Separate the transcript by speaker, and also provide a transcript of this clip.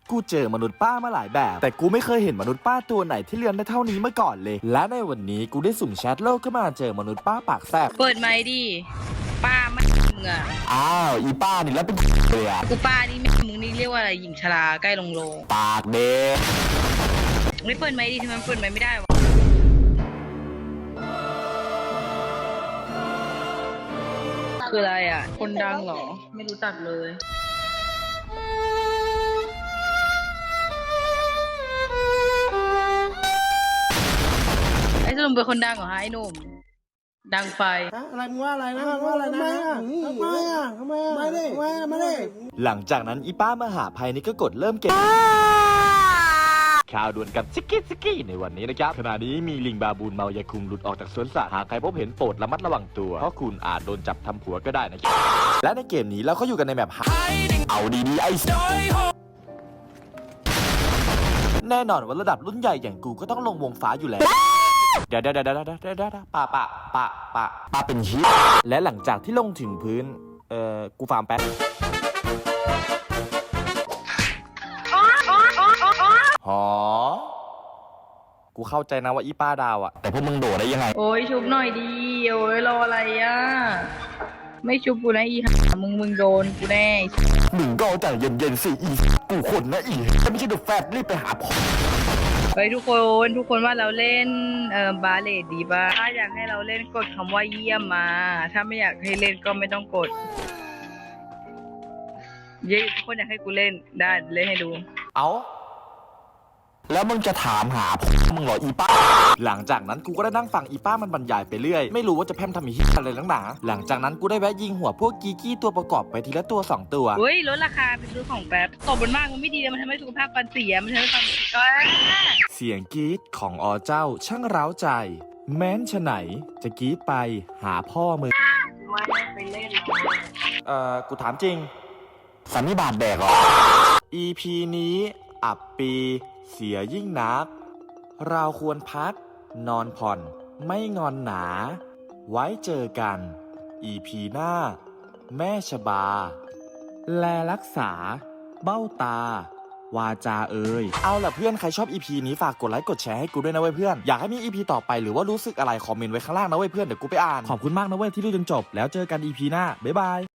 Speaker 1: กูเจอมนุษย์ป้ามาหลายแบบแต่กูไม่เคยเห็นมนุษย์ป้าตัวไหนที่เลี้ยงได้เท่านี้มาก่อนเลยและในวันนี้กูได้สุ่มแชทโลกก็มาเจอมนุษย์ป้าปากแซ่บ
Speaker 2: เปิดไมค์ดิป้าไม่มึงอ่ะ
Speaker 1: อ้าวอีป้านี่แล้วเป็นเลยอ่ะ
Speaker 2: กูป้านี่แม่มึงนี่เรียกว่าอะไรหญิงชราใกล้ลงโลง
Speaker 1: ปากเด็ก
Speaker 2: ไม่เปิดไมค์ดิทำไมเปิดไมค์ไม่ได้วะคืออะไรอ่ะคนดังเหรอไม่รู้จักเลยไอ้สรุปเป็นคนดังเหรอฮะไอ้หนุ่มดังไฟ
Speaker 3: อะไรมึงว่าอะไรนะว่าอะไรนะทำไมไม่ได้
Speaker 1: หลังจากนั้นอีป้ามหาภัยนี่ก็กดเริ่มเก็บข่าวด่วนกับซิกกี้ในวันนี้นะครับขณะนี้มีลิงบาบูนเมายาคุมหลุดออกจากสวนสัตว์หากใครพบเห็นโปรดระมัดระวังตัวเพราะคุณอาจโดนจับทำผัวก็ได้นะครับและในเกมนี้เราก็อยู่กันในแมปเอาดีๆไอ้แน่นอนว่าระดับรุ่นใหญ่อย่างกูก็ต้องลงวงฟ้าอยู่แล้วเดี๋ยวป่าเป็นชี้และหลังจากที่ลงถึงพื้นกูฟาร์มแป๊บหอกูเข้าใจนะว่าอีป้าดาวอะแต่พวกมึงโดดได้ยังไง
Speaker 2: โอ้ยชุบหน่อยดีโอ้ยรออะไรอ่ะไม่ชุบกูนะอีห่ามึงโดนกูแน่
Speaker 1: มึงก็ใจเย็นๆสิอีกูคนนะอีถ้าไม่ใช่เดอะแฟตรีบไปหาพ่อ
Speaker 2: เฮ้ยทุกคนว่าเราเล่นบาเลดดีป่ะถ้าอยากให้เราเล่นกดคำว่าเยี่ยมมาถ้าไม่อยากให้เล่นก็ไม่ต้องกดทุกคนอยากให้กูเล่นได้เล่นให้ดู
Speaker 1: เอาแล้วมึงจะถามหามึงเหรออีป้าหลังจากนั้นกูก็ได้นั่งฟังอีป้ามันบรรยายไปเรื่อยไม่รู้ว่าจะแพร่มทำอีอะไรลังหนาหลังจากนั้นกูได้แวะยิงหัวพวกกีกี้ตัวประกอบไปทีละตัว2ตัว
Speaker 2: เฮ้ยลดราคาไปซื้อของแป๊บตบบนมากมันไม่ดีมันทำให้สุขภาพฟันเสียมันทำให้ฟัน
Speaker 1: เสียงกรี๊ดของเจ้าช่างเร้าใจแม้นฉะไหนจะกรี๊ดไปหาพ่อมึง
Speaker 2: ไม่ไปเล่น
Speaker 1: กูถามจริงสันนิบาตแดกเหรอ EP นี้อับปีเสียยิ่งนักเราควรพักนอนผ่อนไม่งอนหนาไว้เจอกัน EP หน้าแม่ชบาแลรักษาเบ้าตาวาจาเอาล่ะเพื่อนใครชอบ EP นี้ฝากกดไลค์กดแชร์ให้กูด้วยนะเว้ยเพื่อนอยากให้มี EP ต่อไปหรือว่ารู้สึกอะไรคอมเมนต์ไว้ข้างล่างนะเว้ยเพื่อนเดี๋ยวกูไปอ่านขอบคุณมากนะเว้ยที่ดูจนจบแล้วเจอกัน EP หน้าบ๊ายบาย